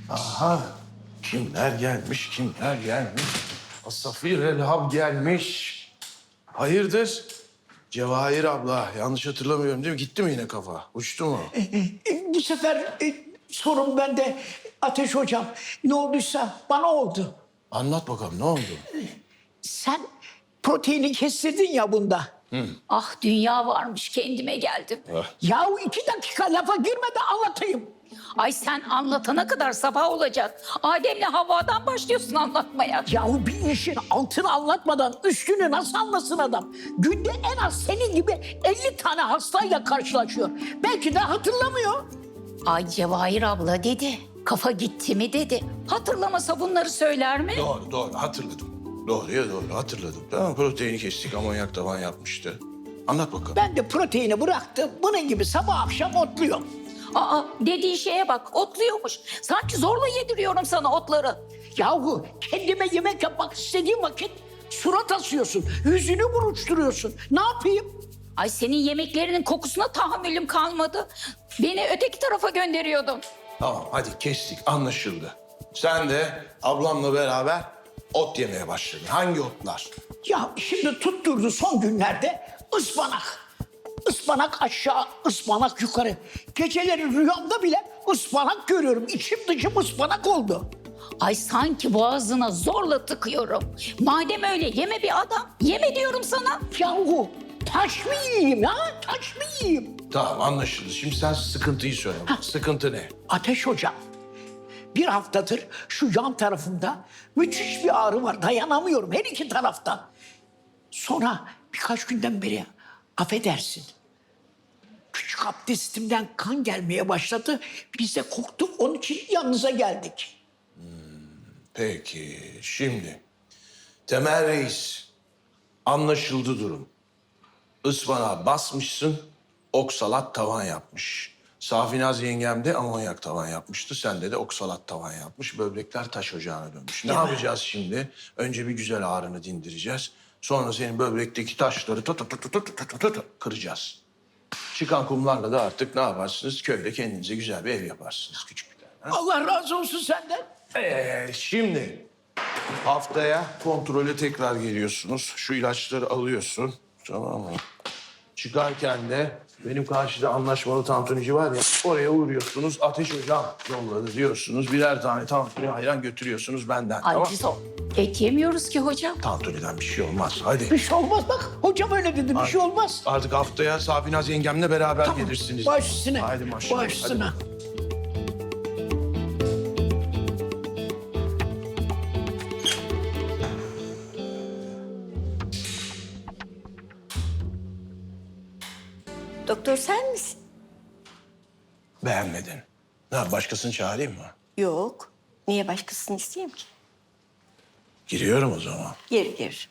Aha. Kimler gelmiş, kimler gelmiş? Asafir Elhab gelmiş. Hayırdır? Cevahir abla, yanlış hatırlamıyorum değil mi? Gitti mi yine kafa? Uçtu mu? Bu sefer sorun bende Ateş Hocam. Ne olduysa bana oldu. Anlat bakalım, ne oldu? Sen proteini kestirdin ya bunda. Ah dünya varmış kendime geldim. Yahu 2 dakika lafa girme de anlatayım. Ay sen anlatana kadar sabah olacak. Adem'le Havva'dan başlıyorsun anlatmaya. Yahu bir işin altını anlatmadan üstünü nasıl anlasın adam? Günde en az senin gibi 50 tane hastayla karşılaşıyor. Belki de hatırlamıyor. Ay Cevahir abla dedi. Kafa gitti mi dedi. Hatırlamasa bunları söyler mi? Doğru, hatırladım. Doğruya doğru, hatırladım. Tamam, proteini kestik, amonyak tavan yapmıştı. Anlat bakalım. Ben de proteini bıraktım. Bunun gibi sabah akşam otluyorum. Aa dediği şeye bak otluyormuş. Sanki zorla yediriyorum sana otları. Yahu kendime yemek yapmak istediğim vakit surat asıyorsun. Yüzünü buruşturuyorsun. Ne yapayım? Ay senin yemeklerinin kokusuna tahammülüm kalmadı. Beni öteki tarafa gönderiyordun. Tamam, hadi kestik, anlaşıldı. Sen de ablamla beraber ot yemeye başladın. Hangi otlar? Ya şimdi tutturdu son günlerde ıspanak. Ispanak aşağı, ıspanak yukarı. Geceleri rüyamda bile ıspanak görüyorum. İçim dışım ıspanak oldu. Ay sanki boğazına zorla tıkıyorum. Madem öyle yeme bir adam. Yeme diyorum sana. Yahu taş mı yiyeyim ya? Taş mı yiyeyim? Tamam, anlaşıldı. Şimdi sen sıkıntıyı söyle. Sıkıntı ne? Ateş Hocam, bir haftadır şu yan tarafımda müthiş bir ağrı var. Dayanamıyorum her iki taraftan. Sonra birkaç günden beri affedersin. Küçük abdestimden kan gelmeye başladı. Biz de korktuk, onun için yanınıza geldik. Peki, şimdi Temel Reis, anlaşıldı durum. Ispanağa basmışsın, oksalat tavan yapmış. Safinaz yengem de amonyak tavan yapmıştı. Sende de oksalat tavan yapmış. Böbrekler taş ocağına dönmüş. Ne yapacağız şimdi? Önce bir güzel ağrını dindireceğiz. Sonra senin böbrekteki taşları kıracağız. Çıkan kumlarla da artık ne yaparsınız? Köyde kendinize güzel bir ev yaparsınız, küçük bir tane. Allah razı olsun senden. Şimdi haftaya kontrole tekrar geliyorsunuz. Şu ilaçları alıyorsun. Tamam mı? Çıkarken de benim karşıda anlaşmalı tantunici var ya, oraya uğruyorsunuz. Ateş Hocam yolladı diyorsunuz. Birer tane tantuni ayran götürüyorsunuz benden. Ay tamam. biz o et yemiyoruz ki hocam. Tantuniden bir şey olmaz. Hadi. Bir şey olmaz bak. Hocam öyle dedi, bir şey olmaz. Artık haftaya Safinaz yengemle beraber gelirsiniz. Baş üstüne. Haydi maşallah. Baş üstüne. Hadi. Doktor sen misin? Beğenmedin. Ne, başkasını çağırayım mı? Yok. Niye başkasını isteyeyim ki? Giriyorum o zaman. Gir.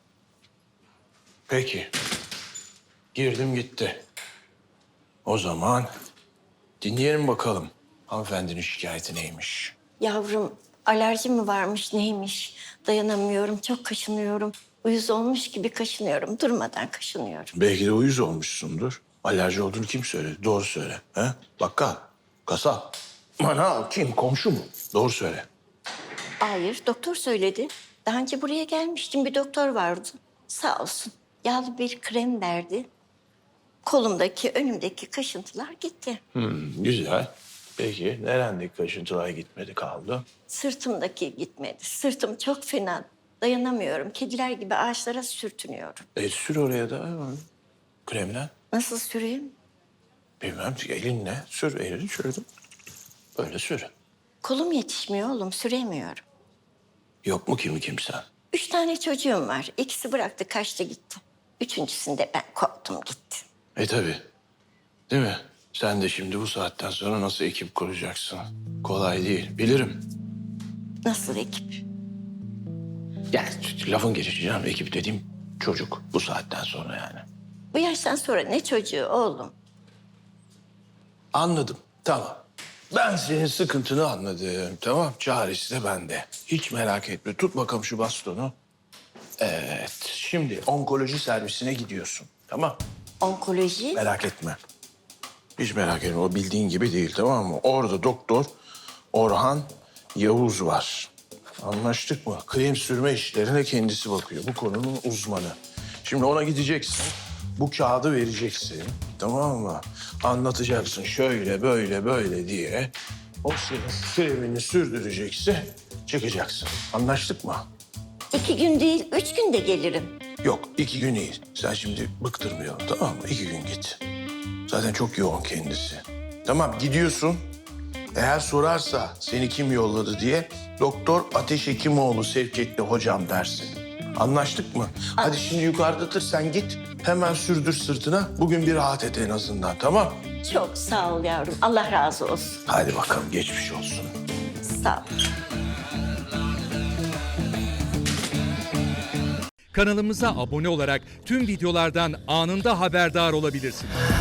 Peki. Girdim gitti. O zaman dinleyelim bakalım hanımefendinin şikayeti neymiş. Yavrum alerji mi varmış neymiş? Dayanamıyorum, çok kaşınıyorum. Uyuz olmuş gibi kaşınıyorum. Durmadan kaşınıyorum. Belki de uyuz olmuşsundur. Alerji olduğunu kim söyledi? Doğru söyle. He? Bakkal, kasap, manav kim? Komşu mu? Doğru söyle. Hayır, doktor söyledi. Daha önce buraya gelmiştim, bir doktor vardı. Sağ olsun. Yağlı bir krem verdi. Kolumdaki, önümdeki kaşıntılar gitti. Güzel. Peki nerendeki kaşıntılar gitmedi kaldı? Sırtımdaki gitmedi. Sırtım çok fena. Dayanamıyorum. Kediler gibi ağaçlara sürtünüyorum. Sür oraya da kremle. Nasıl süreyim? Bilmem elinle sür. Elini sürdüm. Böyle sür. Kolum yetişmiyor oğlum, süremiyorum. Yok mu kimi kimsen? 3 tane çocuğum var. İkisi bıraktı, kaçtı gitti. Üçüncüsünde ben koptum gitti. Tabii. Değil mi? Sen de şimdi bu saatten sonra nasıl ekip kuracaksın? Kolay değil. Bilirim. Nasıl ekip? Yani lafın gelişi canım. Ekip dediğim çocuk. Bu saatten sonra yani. Bu yaştan sonra ne çocuğu oğlum? Anladım. Tamam. Ben senin sıkıntını anladım. Tamam. Çaresi de bende. Hiç merak etme. Tut bakalım şu bastonu. Evet. Şimdi onkoloji servisine gidiyorsun. Tamam. Onkoloji? Merak etme. Hiç merak etme. O bildiğin gibi değil, tamam mı? Orada doktor Orhan Yavuz var. Anlaştık mı? Krem sürme işlerine kendisi bakıyor. Bu konunun uzmanı. Şimdi ona gideceksin. Bu kağıdı vereceksin. Tamam mı? Anlatacaksın şöyle böyle böyle diye. O senin kremini sürdürecekse çıkacaksın. Anlaştık mı? 2 gün değil, 3 günde gelirim. Yok 2 gün iyi. Sen şimdi bıktırmayalım tamam mı? 2 gün git. Zaten çok yoğun kendisi. Tamam gidiyorsun. Eğer sorarsa seni kim yolladı diye Doktor Ateş Hekimoğlu sevk etti hocam dersin. Anlaştık mı? Hadi şimdi yukarıdadır sen git. Hemen sürdür sırtına. Bugün bir rahat et en azından tamam? Çok sağ ol yavrum. Allah razı olsun. Hadi bakalım geçmiş olsun. Sağ ol. Kanalımıza abone olarak tüm videolardan anında haberdar olabilirsiniz.